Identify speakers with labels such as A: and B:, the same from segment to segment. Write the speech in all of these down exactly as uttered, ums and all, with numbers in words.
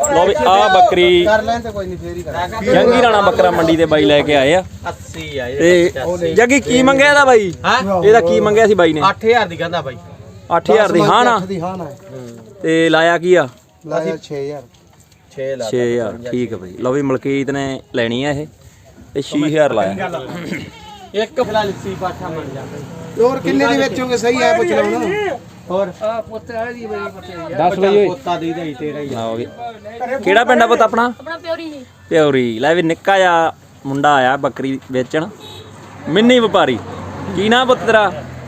A: लो भी आ बकरी जंगी राणा बकरा मंडी ते बाई लेके आए आ ते जगी की मंगया दा बाई एदा की मंगया सी बाई ने
B: आठ हज़ार दी कहंदा बाई
A: आठ हज़ार दी हां ना ते लाया की आ
B: लाया छह हज़ार
A: छह हज़ार ठीक है भाई लो भी मलकीत ने लेनी है ये छह हज़ार लाया
B: एक फिलहाल इसी पाठा मन जाता
C: और कितने दी बेचोगे सही है पूछ लो ना
B: और आ पुੱਤ ਆ ਦੀ ਬਈ ਪੱਤੇ दस ਬਈ ਪੁੱਤਾ ਦੀ ਦੇ ਤੇਰਾ ਹੀ
A: आओगे ਕਿਹੜਾ ਪਿੰਡ ਆ ਪੁੱਤ ਆਪਣਾ
D: ਆਪਣਾ ਪਿਓਰੀ ਜੀ
A: ਪਿਓਰੀ ਲੈ ਵੀ ਨਿੱਕਾ ਜਿਹਾ ਮੁੰਡਾ ਆਇਆ ਬੱਕਰੀ ਵੇਚਣ ਮਿੰਨੀ ਵਪਾਰੀ ਕੀ ਨਾਂ ਪੁੱਤ ਤੇਰਾ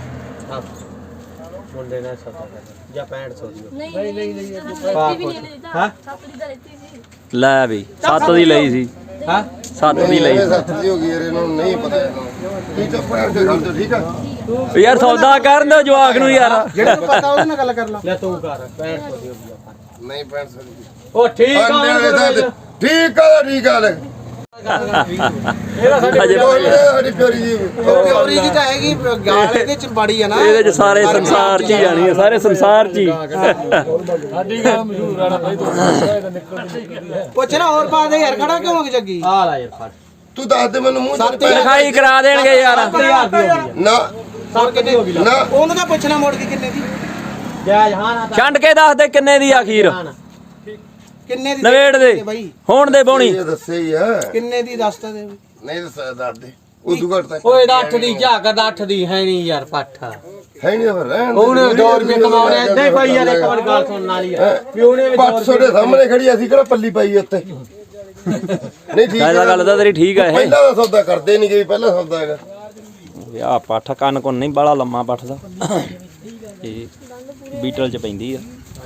B: ਮੁੰਡੇ ਨੇ ਸੱਤਾ ਜਾਂ ਪੈਂਹਠ ਸੌ ਦੀ
D: ਨਹੀਂ ਨਹੀਂ ਨਹੀਂ ਹਾਂ ਸੱਤ ਦੀ ਦਿੱਤੀ ਸੀ
A: ਲੈ ਵੀ ਸੱਤ ਦੀ ਲਈ ਸੀ
B: ਹਾਂ
A: ਸੱਤ ਦੀ ਲਈ
C: ਸੱਤ ਦੀ ਹੋ ਗਈ ਯਾਰ ਇਹਨਾਂ ਨੂੰ ਨਹੀਂ ਪਤਾ ਕੀ ਚੁੱਪ ਕਰਕੇ ਖੜ ਜਾ ਠੀਕ ਆ
A: ਯਾਰ ਸੌਦਾ ਕਰਨ ਦਿਓ ਜਵਾਕ ਨੂੰ ਯਾਰ
C: ਜਿਹੜੇ ਨੂੰ ਪਤਾ ਉਹਦੇ ਨਾਲ ਗੱਲ ਕਰ ਲਾ
B: ਲੈ ਤੂੰ ਕਰ ਪੈਂਹਠ ਸੌ ਦੀ ਹੋ ਗਈ ਆਪਾਂ
C: ਨਹੀਂ ਪੈਂਹਠ ਸੌ ਦੀ
B: ਉਹ ਠੀਕ ਆ
C: ਠੀਕ ਆ ਠੀਕ ਆ ਲੈ
B: ਇਹਦਾ ਸਾਡੇ
C: ਸਾਡੀ ਪਿਓਰੀ ਦੀ ਪਿਓਰੀ ਦੀ ਤਾਂ ਹੈਗੀ ਗਾਲ ਇਹਦੇ ਚ ਬੜੀ ਆ ਨਾ
A: ਇਹਦੇ ਚ ਸਾਰੇ ਸੰਸਾਰ ਚ ਹੀ ਆਣੀ ਹੈ ਸਾਰੇ ਸੰਸਾਰ ਚ ਹੀ
B: ਸਾਡੀ ਗੱਲ ਮਸ਼ਹੂਰ ਆ ਨਾ ਭਾਈ ਤੂੰ ਇਹਦਾ ਨਿਕਲ
C: ਪੁੱਛ ਨਾ ਹੋਰ ਪਾ ਦੇ ਯਾਰ ਖੜਾ ਕਿਉਂ ਹੋ ਜੱਗੀ
B: ਆ ਲੈ ਯਾਰ ਫੜ
C: ਤੂੰ ਦੱਸ ਦੇ ਮੈਨੂੰ ਮੂੰਹ ਸੱਤ
A: ਲਿਖਾਈ ਕਰਾ ਦੇਣਗੇ ਯਾਰ
B: ਹਜ਼ਾਰ ਦੀ ਹੋ ਗਈ
C: ਨਾ
B: ਸੱਤ ਕਿੰਨੀ ਹੋ ਗਈ
C: ਨਾ ਉਹਨੂੰ ਤਾਂ ਪੁੱਛਣਾ ਮੋੜ ਦੀ ਕਿੰਨੇ ਦੀ
B: ਜਾਇਜ਼ ਹਾਂ ਨਾ
A: ਛੰਡ ਕੇ ਦੱਸ ਦੇ ਕਿੰਨੇ ਦੀ ਆਖੀਰ
C: ਕਿੰਨੇ ਦੀ
A: ਨਵੇੜ ਦੇ
C: ਬਾਈ
A: ਹੋਣ ਦੇ ਬੋਣੀ
C: ਇਹ ਦੱਸੇ ਹੀ ਆ
B: ਕਿੰਨੇ ਦੀ ਦੱਸ ਤਾਂ ਦੇ
C: ਨਹੀਂ ਦੱਸ ਦੱਸ ਦੇ ਉਦੋਂ ਘੱਟ ਤੱਕ
B: ਓਏ ਦਾ ਅੱਠ ਦੀ ਝਾਕ ਦਾ ਅੱਠ ਦੀ ਹੈ ਨਹੀਂ ਯਾਰ ਪੱਠਾ
C: ਹੈ ਨਹੀਂ ਫਿਰ ਰਹਿਣ
B: ਉਹਨੇ ਦੋ ਰੁਪਏ ਕਮਾਉਣੇ ਏਦਾਂ ਹੀ ਭਾਈ ਯਾਰ ਇੱਕ ਵਾਰ ਗੱਲ ਸੁਣਨ ਵਾਲੀ ਆ ਵੀ ਉਹਨੇ ਵੀ
C: ਪੰਜ ਸੌ ਦੇ ਸਾਹਮਣੇ ਖੜੀ ਅਸੀਂ ਕਿਹੜਾ ਪੱਲੀ ਪਾਈ ਉੱਤੇ ਨਹੀਂ ਠੀਕ
A: ਇਹਦਾ ਗੱਲ ਤਾਂ ਤੇਰੀ ਠੀਕ ਆ ਇਹ
C: ਪਹਿਲਾਂ ਦਾ ਸੌਦਾ ਕਰਦੇ ਨਹੀਂ ਗਈ ਪਹਿਲਾਂ ਸੌਦਾ ਹੈਗਾ
A: ਆ ਪੱਠ ਕੰਨ ਕੋਨ ਨਹੀਂ ਬਾਲਾ ਲੰਮਾ ਪੱਠ ਦਾ ਇਹ ਬੀਟਲ ਚ ਪੈਂਦੀ ਆ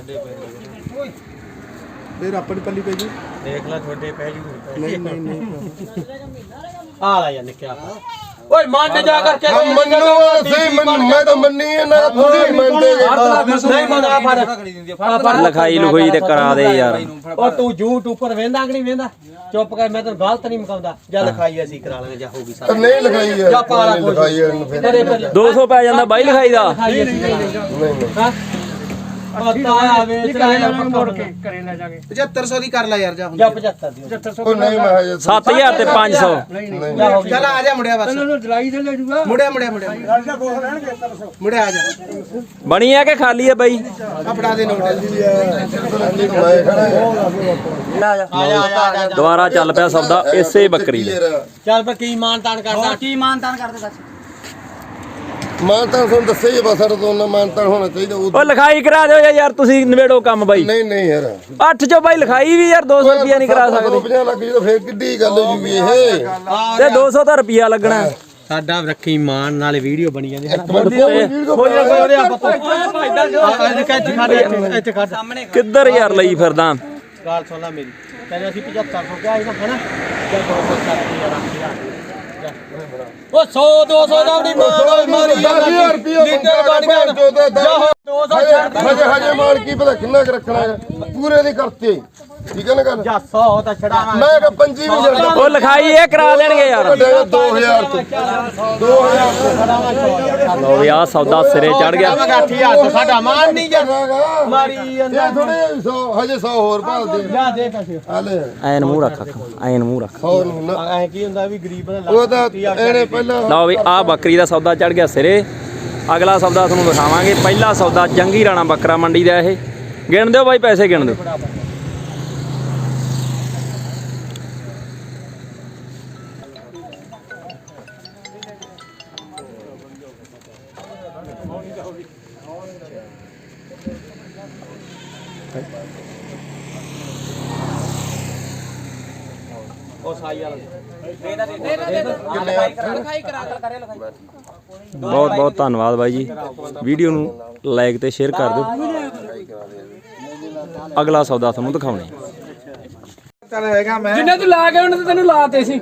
C: ਫੇਰ ਆਪਣੀ ਪੱਲੀ ਪਈ ਜੀ
B: ਦੇਖ ਲੈ ਤੁਹਾਡੇ ਪੈ ਜੂ
C: ਨਹੀਂ ਨਹੀਂ ਨਹੀਂ
B: ਆ ਲੈ ਯਾਰ ਨਿਕਿਆ ਓਏ ਮੰਨ ਜਾ ਕਰਕੇ
C: ਹਮ ਮੰਨੋ ਸਹੀ ਮੰਨ ਮੈਂ ਤਾਂ ਮੰਨੀ ਹੈ ਨਾ ਤੁਸੀਂ ਮੰਨਦੇ
B: ਨਹੀਂ ਮੰਨਦਾ ਫੜ ਫੜ
A: ਲਿਖਾਈ ਲੁਖਾਈ ਤੇ ਕਰਾ ਦੇ ਯਾਰ
B: ਉਹ ਤੂੰ ਝੂਠ ਉੱਪਰ ਵੇਂਦਾ ਕਿ ਨਹੀਂ ਵੇਂਦਾ ਚੁੱਪ ਕਰ ਮੈਂ ਤੈਨੂੰ ਗਲਤ ਨਹੀਂ ਮਕਾਉਂਦਾ ਜਾਂ ਲਿਖਾਈ ਅਸੀਂ ਕਰਾ ਲਾਂਗੇ ਜਾਂ ਹੋਊਗੀ ਸਾਡੀ
C: ਨਹੀਂ ਲਿਖਾਈ ਹੈ
B: ਜਾਂ ਪਾਲਾ ਕੋਈ
C: ਲਿਖਾਈ ਹੈ ਫਿਰ
B: ਤੇਰੇ ਪਰ
A: ਦੋ ਸੌ ਪੈ ਜਾਂਦਾ ਬਾਈ ਲਿਖਾਈ ਦਾ
B: ਲਿਖਾਈ ਅਸੀਂ ਕਰਾ ਲਾਂਗੇ
C: ਨਹੀਂ ਨਹੀਂ
B: ਹਾਂ ਪਤਾ ਆ ਵੇਚ ਲੈ ਮੋੜ ਕੇ ਕਰੇ ਲੈ ਜਾਗੇ
C: ਪਝੱਤਰ ਸੌ ਦੀ ਕਰ ਲੈ ਯਾਰ ਜਾ
B: ਜਾਂ ਪਝੱਤਰ ਦੀ
C: ਉਹ ਨਹੀਂ ਮੈਂ ਹਜੇ
A: ਸੱਤ ਹਜ਼ਾਰ ਤੇ ਪੰਜ ਸੌ
C: ਚੱਲ ਆ ਜਾ ਮੁੰਡਿਆ ਬਸ
B: ਜਲਾਈ ਤੇ ਲੈ ਜੂਗਾ
C: ਮੁੰਡਿਆ ਮੁੰਡਿਆ ਮੁੰਡਿਆ ਮੁੰਡਿਆ ਆ ਜਾ
A: ਬਣੀ ਆ ਕਿ ਖਾਲੀ ਆ ਬਾਈ
C: ਆ ਫੜਾ ਦੇ ਨੋਟ
B: ਆ ਜਾ ਆ ਜਾ
A: ਦੁਬਾਰਾ ਚੱਲ ਪਿਆ ਸੌਦਾ ਇਸੇ ਬੱਕਰੀ ਦਾ
B: ਚੱਲ ਪਰ ਕੀ ਮਾਨ ਤਾਨ ਕਰਦਾ ਕੀ ਮਾਨ ਤਾਨ ਕਰਦੇ ਦੱਸ
C: ਮਾਨ ਤਾਂ ਤੁਹਾਨੂੰ ਦੱਸਿਆ ਹੀ ਬਸ ਸਾਡਾ ਤੋਂ ਨਾ ਮਾਨ ਤਾਂ ਹੋਣਾ ਚਾਹੀਦਾ
A: ਉਹ ਲਿਖਾਈ ਕਰਾ ਦਿਓ ਯਾਰ ਤੁਸੀਂ ਨਵੇੜੋ ਕੰਮ ਬਾਈ
C: ਨਹੀਂ ਨਹੀਂ ਯਾਰ
A: ਅੱਠ ਚੋਂ ਬਾਈ ਲਿਖਾਈ ਵੀ ਯਾਰ ਦੋ ਸੌ ਰੁਪਿਆ ਨਹੀਂ ਕਰਾ ਸਕਦੇ
C: ਪੰਜਾਹ ਲੱਖ ਜਦੋਂ ਫੇਰ ਕਿੱਡੀ ਗੱਲ ਹੋ ਜੂਗੀ ਇਹ
A: ਤੇ ਦੋ ਸੌ ਤਾਂ ਰੁਪਿਆ ਲੱਗਣਾ
B: ਸਾਡਾ ਰੱਖੀ ਮਾਨ ਨਾਲੇ ਵੀਡੀਓ ਬਣੀ ਜਾਂਦੀ ਹੈ ਇੱਥੇ ਖੜ ਸਾਹਮਣੇ
A: ਕਿੱਧਰ ਯਾਰ ਲਈ ਫਿਰਦਾ
B: ਗੱਲ ਸੁਣ ਲੈ ਮੇਰੀ ਕਹਿੰਦੇ ਅਸੀਂ ਪਝੱਤਰ ਸੌ ਕਿਹਾ ਸੀ ਨਾ ਹਨਾ ਜਾਂ ਦੋ ਸੌ ਸੱਤ ਹਜ਼ਾਰ ਉਹ ਸੌ ਦੋ ਸੌ ਦਾ ਵੀ ਮਾਨ ਮਾਰੀ
C: ਦਸ ਹਜ਼ਾਰ ਰੁਪਏ
B: ਲੀਟਰ ਬਣ ਗਿਆ ਦੋ ਸੌ ਛੱਡ
C: ਹਜੇ ਹਜੇ ਮਾਲ ਕੀ ਪਤਾ ਕਿੰਨਾ ਕੁ ਰੱਖਣਾ ਹੈ ਪੂਰੇ ਦੀ ਕਰਤੇ ਠੀਕ ਹੈ ਨਾ ਗੱਲ
B: ਜਾਂ ਸੌ ਤਾਂ ਛੜਾਵਾਂ
C: ਮੈਂ ਕਿਹਾ ਪੰਜੀ ਵੀ ਛੱਡ
A: ਉਹ ਲਿਖਾਈ ਇਹ ਕਰਾ ਦੇਣਗੇ ਯਾਰ
C: ਦੋ ਹਜ਼ਾਰ ਤੋਂ ਦੋ ਹਜ਼ਾਰ
A: ਲੋ ਵੀ ਆ ਸੌਦਾ ਸਿਰੇ ਚੜ ਗਿਆ
B: ਅੱਠ ਹਜ਼ਾਰ ਤੋਂ ਸਾਡਾ ਮਾਨ ਨਹੀਂ ਜਾ
C: ਜਾਗਾ
B: ਮਾਰੀ
C: ਇਹ ਥੋੜੇ ਸੌ ਹਜੇ ਸੌ ਹੋਰ ਭਾਲਦੇ
B: ਜਾ ਦੇ ਪੈਸੇ
C: ਆ ਲੈ
A: ਐਨ ਮੂੰਹ ਰੱਖ ਐਨ ਮੂੰਹ ਰੱਖ
C: ਸੌ ਨੂੰ ਨਾ
B: ਐ ਕੀ ਹੁੰਦਾ ਵੀ ਗਰੀਬ ਦਾ
C: ਉਹ ਤਾਂ ਇਹਨੇ ਪਹਿਲਾਂ
A: ਲਓ ਵੀ ਆ ਬੱਕਰੀ ਦਾ ਸੌਦਾ ਚੜ ਗਿਆ ਸਿਰੇ ਅਗਲਾ ਸੌਦਾ ਤੁਹਾਨੂੰ ਦਿਖਾਵਾਂਗੇ ਪਹਿਲਾ ਸੌਦਾ ਜੰਗੀ ਰਾਣਾ ਬੱਕਰਾ ਮੰਡੀ ਦਾ ਇਹ ਗਿਣ ਦਿਓ ਬਾਈ ਪੈਸੇ ਗਿਣ ਦਿਓ
B: ਉਹ ਸਾਈ ਵਾਲਾ
A: ਬਹੁਤ ਬਹੁਤ ਧੰਨਵਾਦ ਬਾਈ ਜੀ ਵੀਡੀਓ ਨੂੰ ਲਾਈਕ ਤੇ ਸ਼ੇਅਰ ਕਰ ਦਿਓ ਅਗਲਾ ਸੌਦਾ ਤੁਹਾਨੂੰ ਦਿਖਾਉਣੇ
C: ਚੱਲ ਹੈਗਾ ਮੈਂ
E: ਜਿੰਨੇ ਤੂੰ ਲਾ ਕੇ ਉਹਨੇ ਤੈਨੂੰ ਲਾਤੇ ਸੀ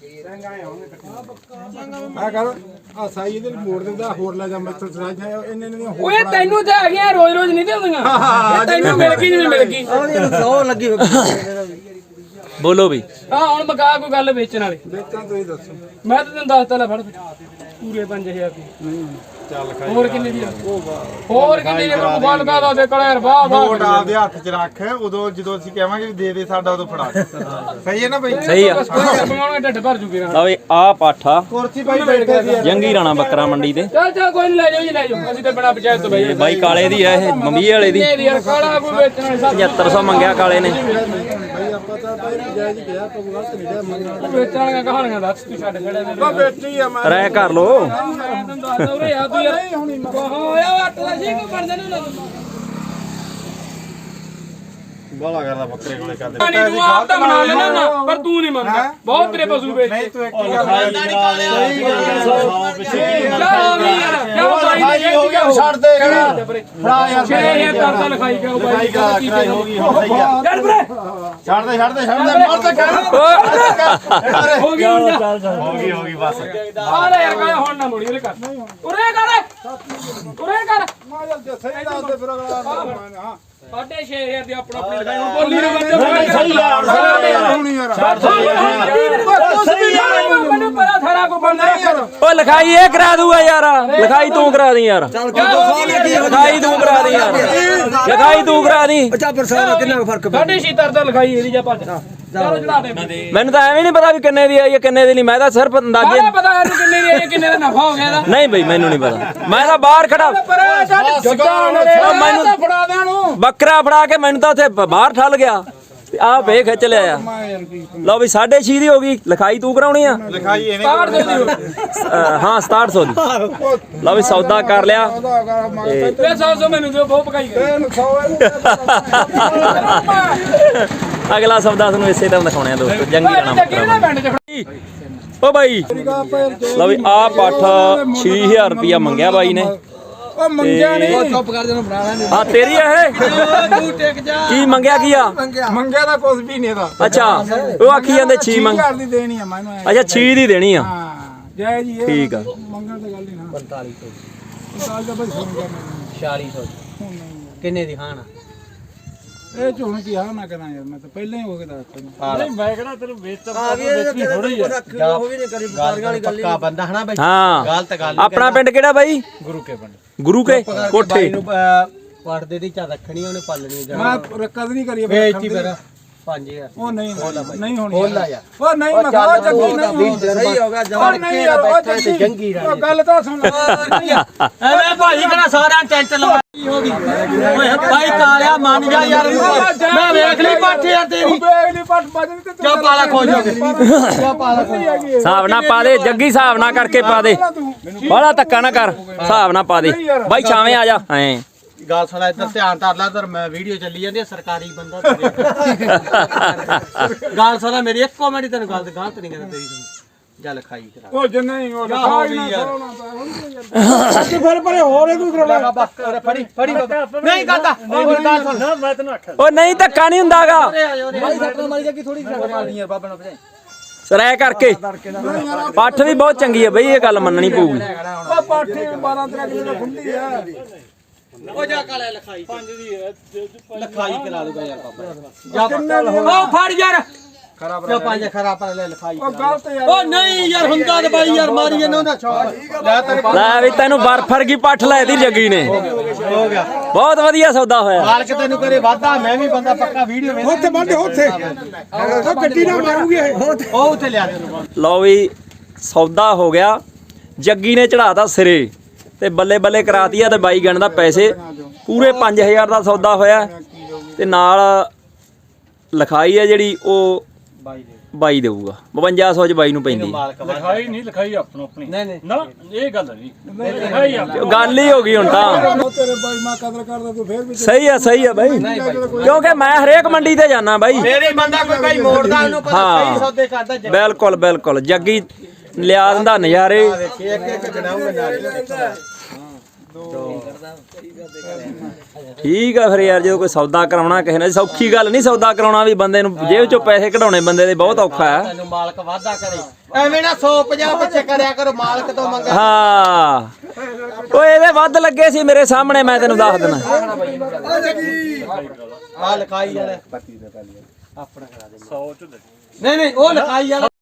C: ਆ ਕਰ ਆ ਸਾਈ ਇਹਦੇ ਮੋੜ ਦਿੰਦਾ ਹੋਰ ਲੈ ਜਾ ਮੈਥੋਂ ਸਰਾਜ ਹੈ ਇਹਨੇ ਨੇ
E: ਓਏ ਤੈਨੂੰ ਤੇ ਹੈਗੀਆਂ ਰੋਜ਼ ਰੋਜ਼ ਨਹੀਂ ਦਿੰਦੀਆਂ ਤੈਨੂੰ ਮਿਲ ਗਈ ਜਿਵੇਂ ਮਿਲ ਗਈ
B: ਸੌ ਲੱਗੀ
A: ਬੋਲੋ ਵੀ
E: ਹਾਂ ਹੁਣ ਮਕਾ ਕੋਈ ਗੱਲ ਵੇਚਣ ਵਾਲੀ
C: ਵੇਚਾਂ ਤੁਸੀਂ ਦੱਸੋ
E: ਮੈਂ ਤਾਂ ਤੈਨੂੰ ਦੱਸਤਾ ਲੈ ਫੜ ਪੂਰੇ ਪੰਜ ਹਜ਼ਾਰ ਦੀ ਹੋਰ ਕਿੰਨੇ ਦੀ ਆ? ਹੋਰ ਕਿੰਨੇ ਦੀ ਆ? ਫੜ ਦਾ ਦਾ ਦੇ ਕਲਰ ਵਾਹ ਵਾਹ
F: ਨੋਟ ਆਪਦੇ ਹੱਥ 'ਚ ਰੱਖ ਉਦੋਂ ਜਦੋਂ ਅਸੀਂ ਕਹਾਂਗੇ ਵੀ ਦੇ ਦੇ ਸਾਡਾ ਉਦੋਂ ਫੜਾ ਦੇ। ਸਹੀ ਹੈ ਨਾ ਬਈ?
A: ਸਹੀ ਆ
E: ਬਣਾਉਣਾ ਢੱਡ ਭਰ ਜੂਗੇ ਨਾ।
A: ਲਓ ਵੀ ਆ ਪਾਠਾ
F: ਕੁਰਸੀ ਭਾਈ ਬੈਠੇ ਸੀ
A: ਜੰਗੀ ਰਾਣਾ ਬੱਕਰਾ ਮੰਡੀ ਤੇ
E: ਚੱਲ ਚੱਲ ਕੋਈ ਨਹੀਂ ਲੈ ਜਾਓ ਜੀ ਲੈ ਜਾਓ ਅਸੀਂ ਤਾਂ ਬਣਾ ਪੰਚਾਇਤ ਤੋਂ ਬਈ
A: ਬਾਈ ਕਾਲੇ ਦੀ ਆ ਇਹ ਮੰਮੀ ਵਾਲੇ ਦੀ
E: ਕਿੰਨੇ ਦੀ ਯਾਰ ਕਾਲਾ ਕੋਈ ਵੇਚਣ ਵਾਲੀ ਸਭ
A: ਪਝੱਤਰ ਸੌ ਮੰਗਿਆ ਕਾਲੇ ਨੇ
E: ਵੇਚਣ ਵਾਲੀਆਂ ਕਹਾਣੀਆਂ ਦੱਸ ਤੂੰ ਛੱਡ ਖੜੇ ਨੇ
F: ਬੇਟੀ ਆ ਮੈਂ
A: ਰਹਿ ਕਰ ਲੋ
E: ਤੈਨੂੰ ਦੱਸ ਉਰੇ ਆ ਤੂੰ ਯਾਰ ਹੋਇਆ ਅੱਟ ਦਾ ਸੀ ਕੋ ਬਣਦੇ ਨੇ
F: ਬਾਲਾ ਕਰਦਾ ਬੱਕਰੇ ਕੋਲੇ ਕਰਦੇ
E: ਨਹੀਂ ਤੂੰ ਆਪ ਤਾਂ ਬਣਾ ਲੈਣਾ ਨਾ ਪਰ ਤੂੰ ਨਹੀਂ ਮੰਨਦਾ ਬਹੁਤ ਤੇਰੇ ਪਸ਼ੂ ਵੇਚ
F: ਨਹੀਂ ਤੂੰ ਇੱਕ ਗੱਲ
C: ਛੱਡ ਦੇ ਫੜਾ ਯਾਰ
E: ਛੇ ਹਜ਼ਾਰ ਕਰਦਾ ਲਿਖਾਈ ਕਿਉਂ ਬਾਈ
C: ਕੀ ਹੋ ਗਈ ਹੁਣ ਸਹੀ ਆ
E: ਯਾਰ ਵੀਰੇ
C: ਛੱਡ ਦੇ ਛੱਡ ਦੇ ਛੱਡ ਦੇ ਮਰ ਤੇ ਕਰ
E: ਹੋ ਗਈ ਹੁਣ ਜਾ
F: ਹੋ ਗਈ ਹੋ ਗਈ ਬਸ
E: ਆ ਲੈ ਯਾਰ ਕਾਹ ਹੁਣ ਨਾ ਮੁੜੀ ਉਰੇ ਕਰ ਉਰੇ ਕਰ ਉਰੇ ਕਰ
F: ਸਹੀ ਦੱਸ ਦੇ ਫਿਰ ਹਾਂ
E: ਸਾਢੇ ਛੇ ਹਜ਼ਾਰ ਦੀ ਆਪਣਾ ਆਪਣੀ ਲਿਖਾਈ ਹੁਣ ਬੋਲੀ ਨਾ ਬੰਦੇ
C: ਸਹੀ ਯਾਰ
F: ਹੁਣੀ ਯਾਰ
E: ਸਹੀ ਯਾਰ ਮੈਨੂੰ ਪਤਾ ਥਾਰਾ ਕੋ ਬੰਦਾ
A: ਓ ਲਿਖਾਈ ਇਹ ਕਰਾ ਦੂਗਾ ਯਾਰ ਲਿਖਾਈ ਤੂੰ ਕਰਾ ਦੀ ਯਾਰ ਲਿਖਾਈ ਤੂੰ ਕਰਾ ਦੀ ਯਾਰ ਲਿਖਾਈ ਤੂੰ ਕਰਾ ਦੀ
E: ਸਾਢੇ ਛੇ ਤਰ ਦਾ ਲਿਖਾਈ ਇਹਦੀ ਜਾ ਭੱਜ ਚਲੋ ਚੜਾ ਦੇ
A: ਮੈਨੂੰ ਤਾਂ ਐਵੇਂ ਨਹੀਂ ਪਤਾ ਵੀ ਕਿੰਨੇ ਦੀ ਆਈ ਹੈ ਕਿੰਨੇ ਦੀ ਨਹੀਂ ਮੈਂ ਤਾਂ ਸਿਰਫ ਅੰਦਾਜ਼ੇ
E: ਸਾਰਾ ਪਤਾ ਇਹਨੂੰ ਕਿੰਨੇ ਦੀ ਆਈ ਕਿੰਨੇ ਦਾ ਨਫਾ ਹੋ ਗਿਆ ਇਹਦਾ
A: ਨਹੀਂ ਬਈ ਮੈਨੂੰ ਨਹੀਂ ਪਤਾ ਮੈਂ ਤਾਂ ਬਾਹਰ ਖੜਾ
E: ਪਰ ਛੱਡ ਜੱਗਾ
A: ਉਹ ਮੈਨੂੰ
E: ਫੜਾ ਦੇ ਨੂੰ
A: ਬੱਕਰਾ ਫੜਾ ਕੇ ਮੈਨੂੰ ਤਾਂ ਉੱਥੇ ਬ- ਬਾਹਰ ਠੱਲ ਗਿਆ ਆ ਵੇ ਖਿੱਚ ਲਿਆ ਲਓ ਵੀ ਸਾਢੇ ਛੇ ਦੀ ਹੋ ਗਈ ਲਿਖਾਈ ਤੂੰ ਕਰਾਉਣੀ ਆ
F: ਲਿਖਾਈ ਇਹਨੇ
E: ਕਾੜ ਦੇ ਦਿਓ
A: ਅ, ਹਾਂ ਸਤਾਹਠ ਸੌ ਦੀ ਲਓ ਵੀ ਸੌਦਾ ਕਰ ਲਿਆ
E: ਤੇ ਸੌ ਸੌ ਮੈਨੂੰ ਦਿਓ ਬਹੁਤ ਪਕਾਈ ਗਏ
A: ਅਗਲਾ ਸੌਦਾ ਤੁਹਾਨੂੰ ਇਸੇ ਤਰ੍ਹਾਂ ਦਿਖਾਉਣੇ ਆ ਦੋਸਤੋ ਜੰਗੀ ਰਾਣਾ
E: ਜੱਗੀ
A: ਬੱਕਰਾ
E: ਨਾ ਪਿੰਡ ਚ
A: ਮੰਡੀ। ਓ ਬਾਈ ਲਓ ਵੀ ਆ ਪੱਠ ਛੇ ਹਜ਼ਾਰ ਰੁਪਇਆ ਮੰਗਿਆ ਬਾਈ ਨੇ
F: ਉਹ ਮੰਗਿਆ ਨਹੀਂ
E: ਚੁੱਪ ਕਰ ਦੇ ਨੂੰ ਬਣਾ ਲੈਂਦੇ
A: ਹਾਂ ਤੇਰੀ ਆ ਇਹ
E: ਤੂੰ ਟਿਕ ਜਾ
A: ਕੀ ਮੰਗਿਆ ਕੀ ਆ
F: ਮੰਗਿਆ ਤਾਂ ਕੁਝ ਵੀ ਨਹੀਂ ਇਹਦਾ
A: ਅੱਛਾ ਉਹ ਆਖੀ ਜਾਂਦੇ ਛੇ ਮੰਗ
F: ਘਰ ਦੀ ਦੇਣੀ ਆ ਮੈਨੂੰ
A: ਅੱਛਾ ਛੇ ਦੀ ਦੇਣੀ ਆ
F: ਹਾਂ ਜੈ ਜੀ ਇਹ
A: ਠੀਕ ਆ
F: ਮੰਗਣ ਦੀ ਗੱਲ ਹੀ ਨਾ
B: ਪੰਤਾਲੀ ਸੌ
F: ਗੱਲ ਤਾਂ ਬਈ ਸੁਣ ਗਿਆ ਮੈਨੂੰ
B: ਛਿਆਲੀ ਸੌ ਕਿੰਨੇ ਦੀ ਖਾਣਾ
F: ਇਹ ਝੋਣ ਕੀ ਆ ਨਾ ਕਰਾਂ ਯਾਰ ਮੈਂ ਤਾਂ ਪਹਿਲਾਂ ਹੀ ਹੋ ਕੇ ਦੱਸ ਤਾ
E: ਨਹੀਂ ਮੈਂ ਕਿਹੜਾ ਤੈਨੂੰ ਵੇਚ
B: ਆ ਵੀ ਇਹ ਥੋੜੀ ਆ ਉਹ ਵੀ ਨਹੀਂ ਕਰੀ ਬੁਖਾਰੀਆਂ ਵਾਲੀ ਗੱਲ ਪੱਕਾ ਬੰਦਾ ਹਨਾ ਬਈ
A: ਹਾਂ
B: ਗਲਤ ਗੱਲ
A: ਆਪਣਾ ਪਿੰਡ ਕਿਹੜਾ ਬਾਈ
F: ਗੁਰੂ ਕੇ ਪਿੰਡ
A: ਗੁਰੂ ਕੇ ਕੋਠੇ
B: ਨੂੰ ਪੜਦੇ ਦੀ ਚਾ ਰੱਖਣੀ ਉਹਨੇ ਪਾਲਣੀ
F: ਮੈਂ ਰਕਦ ਨਹੀਂ ਕਰੀ
B: ਵੇਚਤੀ ਫਿਰ ਪੰਜ ਹਜ਼ਾਰ
F: ਉਹ ਨਹੀਂ ਨਹੀਂ ਹੋਣੀ
B: ਬੋਲਾ ਯਾਰ
F: ਉਹ ਨਹੀਂ ਮੈਂ ਕਹਾ ਜੱਗੀ ਨਹੀਂ
B: ਸਹੀ ਹੋ ਗਿਆ
F: ਉਹ ਨਹੀਂ ਯਾਰ ਉਹ ਜੱਗੀ
B: ਜੰਗੀ
F: ਉਹ ਗੱਲ ਤਾਂ ਸੁਣ
B: ਐਵੇਂ ਭਾਜੀ ਕਿਹੜਾ ਸਾਰਿਆਂ ਟੈਂਟ ਲਵਾਈ ਹੋ ਗਈ ਓਏ ਭਾਈ ਕਾਲਿਆ ਮੰਨ ਜਾ ਯਾਰ ਮੈਂ ਵੇਖ ਲਈ ਪੱਠ ਯਾਰ ਤੇਰੀ
F: ਬੇਗਲੀ ਪੱਟ ਵੱਜਣੀ ਤੇ
B: ਕਿਉਂ ਪਾਲਾ ਖੋਜ ਹੋ ਗਿਆ ਕਿਉਂ ਪਾਲਾ ਖੋਜ
A: ਹਿਸਾਬ ਨਾ ਪਾ ਦੇ ਜੱਗੀ ਹਿਸਾਬ ਨਾ ਕਰਕੇ ਪਾ ਦੇ ਬਾਹਲਾ ਧੱਕਾ ਨਾ ਕਰ ਹਿਸਾਬ ਨਾ ਪਾ ਦੇ ਬਾਈ ਛਾਵੇਂ ਆ ਜਾ ਐ
B: ਗੱਲ ਸੁਣਾ ਇੱਧਰ ਧਿਆਨ ਧਰ ਲੈ ਇੱਧਰ ਮੈਂ ਵੀਡੀਓ ਚੱਲੀ ਜਾਂਦੀ ਹੈ ਸਰਕਾਰੀ ਬੰਦਾ ਗੱਲ ਸੁਣਾ ਮੇਰੀ ਇੱਕ ਕਮੈਂਟ ਤੈਨੂੰ ਗੱਲ ਗਲਤ ਨਹੀਂ ਕਰਦਾ ਤੇਰੀ ਤੂੰ ਜਾ ਲਿਖਾਈ ਕਰਾ
F: ਉਹ ਜੰਨੇ ਹੀ ਉਹ
B: ਹੋ ਗਈ ਯਾਰ
F: ਤੇ ਫਿਰ ਪਰੇ ਹੋਰ ਇਹ ਕੋਈ ਕਰਾਉਣਾ
B: ਬਾਬਾ ਫੜੀ ਫੜੀ ਬਾਬਾ ਨਹੀਂ ਕਰਦਾ ਉਹ ਗੱਲ ਸੁਣ ਮੈਂ ਤੈਨੂੰ ਆਖਿਆ
A: ਉਹ ਨਹੀਂ ਧੱਕਾ ਨਹੀਂ ਹੁੰਦਾਗਾ
B: ਮਾਰੀ ਸੱਟਾਂ ਮਾਰੀ ਜਾ ਕੀ ਥੋੜੀ ਮਾਰਦੀ ਯਾਰ ਬਾਬਾ ਨੂੰ ਭਜਾਈ
A: ਸਰੈ ਕਰਕੇ ਪੱਠ ਵੀ ਬਹੁਤ ਚੰਗੀ ਹੈ ਬਈ ਇਹ ਗੱਲ ਮੰਨਣੀ ਪਊਗੀ
F: ਉਹ ਪਾਠੇ ਬਾਰਾਂ ਤੇਰਾਂ ਕਿਲੋ ਦਾ ਖੁੰਡੀ ਆ
B: ਉਹ ਜਾ ਕਾਲੇ ਲਿਖਾਈ ਪੰਜ ਦੀ ਲਿਖਾਈ ਕਰਾ ਦੂਗਾ ਯਾਰ ਬਾਬਾ ਉਹ ਫੜ ਯਾਰ ਖਰਾਬ ਕਿਉਂ ਪੰਜ ਖਰਾਬ ਪਰ ਲੈ ਲਿਖਾਈ
F: ਉਹ ਗਲਤ ਯਾਰ
B: ਉਹ ਨਹੀਂ ਯਾਰ ਹੁੰਦਾ ਤੇ ਬਾਈ ਯਾਰ ਮਾਰੀ ਇਹਨਾਂ ਦਾ ਛੋੜ ਲੈ ਤੈਨੂੰ
A: ਲੈ ਵੀ ਤੈਨੂੰ ਬਰਫ ਵਰਗੀ ਪੱਠ ਲੈ ਦੀ ਜੱਗੀ ਨੇ
B: ਹੋ ਗਿਆ
A: ਬਹੁਤ ਵਧੀਆ ਸੌਦਾ ਹੋਇਆ
B: ਮਾਲਕ ਤੈਨੂੰ ਕਰੇ ਵਾਦਾ ਮੈਂ ਵੀ ਬੰਦਾ ਪੱਕਾ ਵੀਡੀਓ ਵੇਖ
F: ਉੱਥੇ ਬੰਦੇ ਉੱਥੇ ਉਹ ਗੱਡੀ ਨਾ ਮਾਰੂਗੀ ਇਹ
B: ਉਹ ਉੱਥੇ ਲਿਆ ਦੇ
A: ਲਓ ਵੀ ਸੌਦਾ ਹੋ ਗਿਆ ਜੱਗੀ ਨੇ ਚੜਾਤਾ ਸਿਰੇ ਤੇ ਬੱਲੇ ਬੱਲੇ ਕਰਾਤੀ ਆ ਤੇ ਬਾਈ ਗਣ ਦਾ ਪੈਸੇ ਪੂਰੇ ਪੰਜ ਹਜ਼ਾਰ ਦਾ ਸੌਦਾ ਹੋਇਆ ਤੇ ਨਾਲ ਲਿਖਾਈ ਆ ਜਿਹੜੀ ਉਹ
B: ਬਾਈ ਦੇ
A: ਬਾਈ ਦੇਊਗਾ ਬਵੰਜਾ ਸੌ ਚ ਬਾਈ ਨੂੰ ਪੈਂਦੀ
B: ਮਾਲਕ ਵਾਦਾ
E: ਲਿਖਾਈ ਨਹੀਂ ਲਿਖਾਈ ਆਪਣੋ ਆਪਣੀ
B: ਨਹੀਂ ਨਹੀਂ
E: ਨਾ ਇਹ ਗੱਲ ਨਹੀਂ ਲਿਖਾਈ ਆ
A: ਉਹ ਗੱਲ ਹੀ ਹੋ ਗਈ ਹੁਣ ਤਾਂ
F: ਤੇਰੇ ਬਾਈ ਮੈਂ ਕਦਰ ਕਰਦਾ ਤੂੰ ਫੇਰ ਵੀ
A: ਸਹੀ ਆ ਸਹੀ ਆ ਬਾਈ ਕਿਉਂਕਿ ਮੈਂ ਹਰੇਕ ਮੰਡੀ ਤੇ ਜਾਣਾ ਬਾਈ
B: ਮੇਰੇ ਬੰਦਾ ਕੋਈ ਬਾਈ ਮੋੜਦਾ ਉਹਨੂੰ ਪਤਾ
A: ਹਾਂ।
B: ਸਹੀ ਸੌਦੇ ਕਰਦਾ ਜੱਗੀ
A: ਬਿਲਕੁਲ ਬਿਲਕੁਲ ਜੱਗੀ ਲਿਆ ਦਿੰਦਾ ਨਜ਼ਾਰੇ
B: ਵੇਖੀ ਇੱਕ ਇੱਕ ਗਣਾਉਂਗਾ ਨਾਲ
A: ਠੀਕ ਆ ਫਿਰ ਯਾਰ ਜਦੋਂ ਕੋਈ ਸੌਦਾ ਕਰਾਉਣਾ ਕਿਸੇ ਨਾਲ ਸੌਖੀ ਗੱਲ ਨਹੀਂ ਸੌਦਾ ਕਰਾਉਣਾ ਵੀ ਬੰਦੇ ਨੂੰ ਜੇਬ ਚੋਂ ਪੈਸੇ ਕਢਾਉਣੇ ਬੰਦੇ ਦੇ ਬਹੁਤ ਔਖਾ ਹੈ
B: ਤੈਨੂੰ ਮਾਲਕ ਵਾਦਾ ਕਰੇ ਐਵੇਂ ਨਾ ਸੌ ਪੰਜਾਹ ਪਿੱਛੇ ਕਰਿਆ ਕਰੋ ਮਾਲਕ ਤੋਂ ਮੰਗਿਆ
A: ਹਾਂ ਓਏ ਇਹਦੇ ਵੱਧ ਲੱਗੇ ਸੀ ਮੇਰੇ ਸਾਹਮਣੇ ਮੈਂ ਤੈਨੂੰ ਦੱਸ ਦੇਣਾ
B: ਆ ਲਿਖਾਈ ਵਾਲਾ ਆਪਣਾ ਕਰਾ ਦੇ ਸੌ ਚ ਨਹੀਂ ਨਹੀਂ ਉਹ ਲਿਖਾਈ ਵਾਲਾ